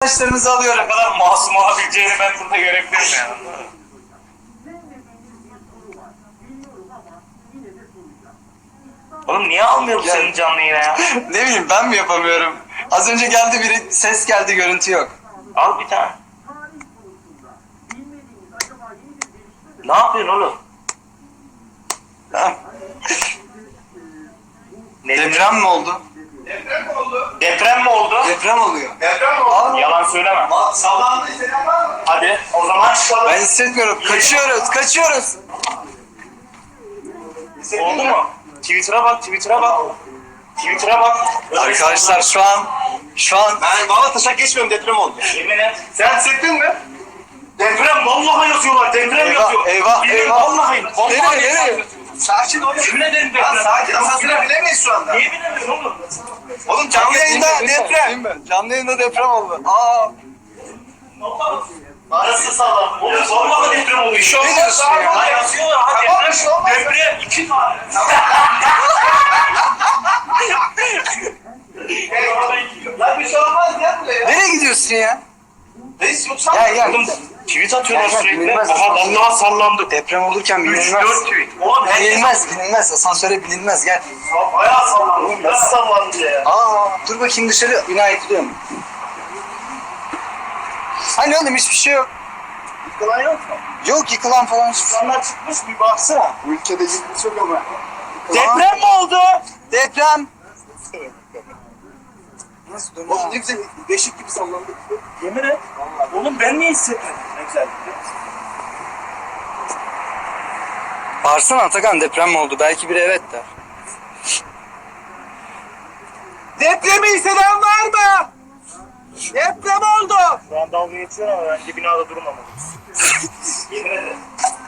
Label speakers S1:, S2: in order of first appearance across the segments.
S1: arkadaşlarınızı alıyorum.
S2: Ne kadar masum olabileceğini ben burada görebilirim yani. Oğlum niye almıyor bu
S1: Ya.
S2: senin canlı yine ya?
S1: Ne bileyim ben mi yapamıyorum? Az önce geldi biri, ses geldi, görüntü yok.
S2: Al bir tane. Ne yapıyorsun oğlum?
S1: Ha?
S2: Ne
S1: Deprem mi oldu?
S2: Deprem mi oldu? Deprem mi oldu?
S1: Deprem oluyor.
S2: Deprem mi oldu? Yalan söyleme.
S3: Sallandı hisseden var mı?
S2: Hadi o zaman çıkalım.
S1: Ben hissetmiyorum. Kaçıyoruz, kaçıyoruz.
S2: Oldu mu? Twitter'a bak, Twitter'a bak. Twitter'a bak.
S1: Arkadaşlar şu an
S3: Ben Balataş'a geçmiyorum, deprem oldu.
S2: Yemin et.
S3: Sen hissettin mi?
S2: Deprem vallahi yazıyorlar. Deprem
S1: Eyvah,
S2: yazıyor.
S1: eyvah,
S2: Yemin
S1: eyvah.
S2: Vallahi.
S1: Nereye?
S3: Sakin ol.
S2: Yemin ederim
S3: Lan
S2: deprem.
S3: sakin, asansöre bilemeyiz şu anda.
S2: Niye bilemiyorsun oğlum?
S3: Oğlum canlı yayında deprem.
S1: Canlı yayında deprem oldu. Aa.
S2: Arası sağlam. Oğlum vallahi deprem oluyor. Şu
S1: Ne diyorsun ya?
S2: Ha yazıyorlar. Ha
S3: Tamam,
S2: deprem.
S3: bir şey olmaz.
S2: Deprem 2 tane.
S3: Lan bir şey olmaz ya buraya.
S1: Nereye gidiyorsun ya?
S3: Reis yoksa
S1: Gel.
S2: Oğlum tweet atıyorlar
S1: Gel,
S2: sürekli.
S1: bilmez.
S2: Aha vallahi sallandı.
S1: Deprem olurken
S2: 3-4
S1: bilinmez.
S2: tweet. Oğlum
S1: Bilinmez. Asansöre bilinmez. Gel.
S2: bayağı sallandı. Nasıl sallandı ya?
S1: Aa, dur bakayım dışarı. Bina yıkılıyor mu? Hani oğlum hiçbir şey yok.
S2: Yıkılan yok mu?
S1: Yok yıkılan falan hiçbir şey.
S2: İnsanlar çıkmış bir baksana.
S3: bu ülkede ciddi çok ama.
S2: Deprem mi oldu?
S1: Deprem. Nasıl dönüyor?
S3: Oğlum ne güzel beşik gibi sallandı.
S2: Yemin et. Oğlum ben niye hissetmedim? Ne güzel.
S1: Bağırsana Atakan, deprem mi oldu? Belki biri evet der.
S3: Depremi hisseden var mı? Deprem oldu.
S2: Şu an dalga geçiyor ama bence binada durmamalıyız. Yemin ederim.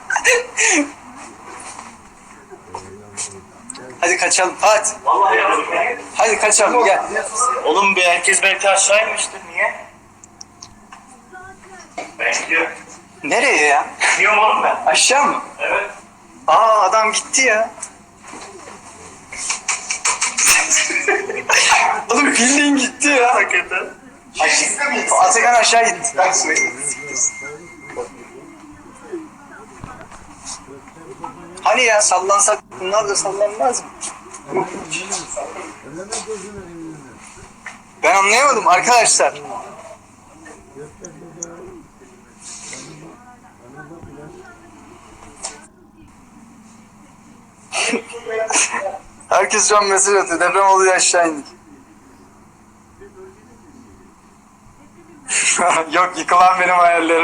S1: Hadi kaçalım. Hadi.
S2: Vallahi yazık ya.
S1: Hadi kaçalım gel.
S2: Oğlum bir herkes belki aşağı inmiştir. Niye? Ben gidiyorum.
S1: Nereye ya?
S2: Gidiyorum oğlum ben.
S1: Aşağı mı?
S2: Evet.
S1: Aa adam gitti ya. Oğlum bildiğin gitti ya.
S2: Hakikaten.
S1: Atakan aşağı gitti. Hani ya sallansak bunlar da sallanmaz mı? Ben anlayamadım arkadaşlar. Herkes şu an mesaj atıyor. Deprem oluyor, aşağı indik. Yok, yıkılan benim hayallerim.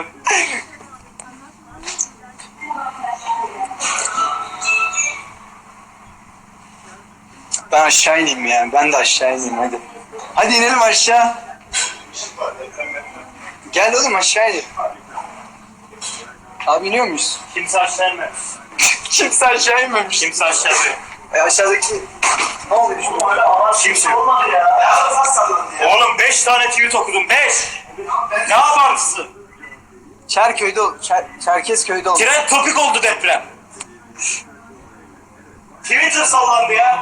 S1: Ben aşağı ineyim ya. Ben de aşağı ineyim hadi. Hadi inelim aşağı. Gel oğlum aşağı inelim. Abi iniyor muyuz?
S2: Kimse aşağı inmez.
S1: Kimse aşağı inmemiş.
S2: Kimse aşağı inmez.
S1: Aşağıdaki... Ne oluyor şimdi?
S2: Kimse olmadı ya. Oğlum 5 tane tweet okudum. 5. Ne yaparsın?
S1: Çerköy'de, Çerkezköy'de oldu.
S2: Tren topik oldu deprem. Twitter sallandı ya.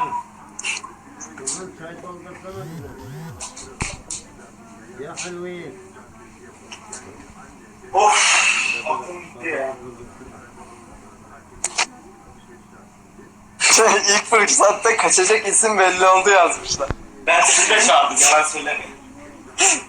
S4: يا حلوين
S2: Of. Aklım gitti ya.
S1: İlk fırsatta kaçacak isim belli oldu yazmışlar.
S2: Ben size çağırdım. Yalan söylemeyin.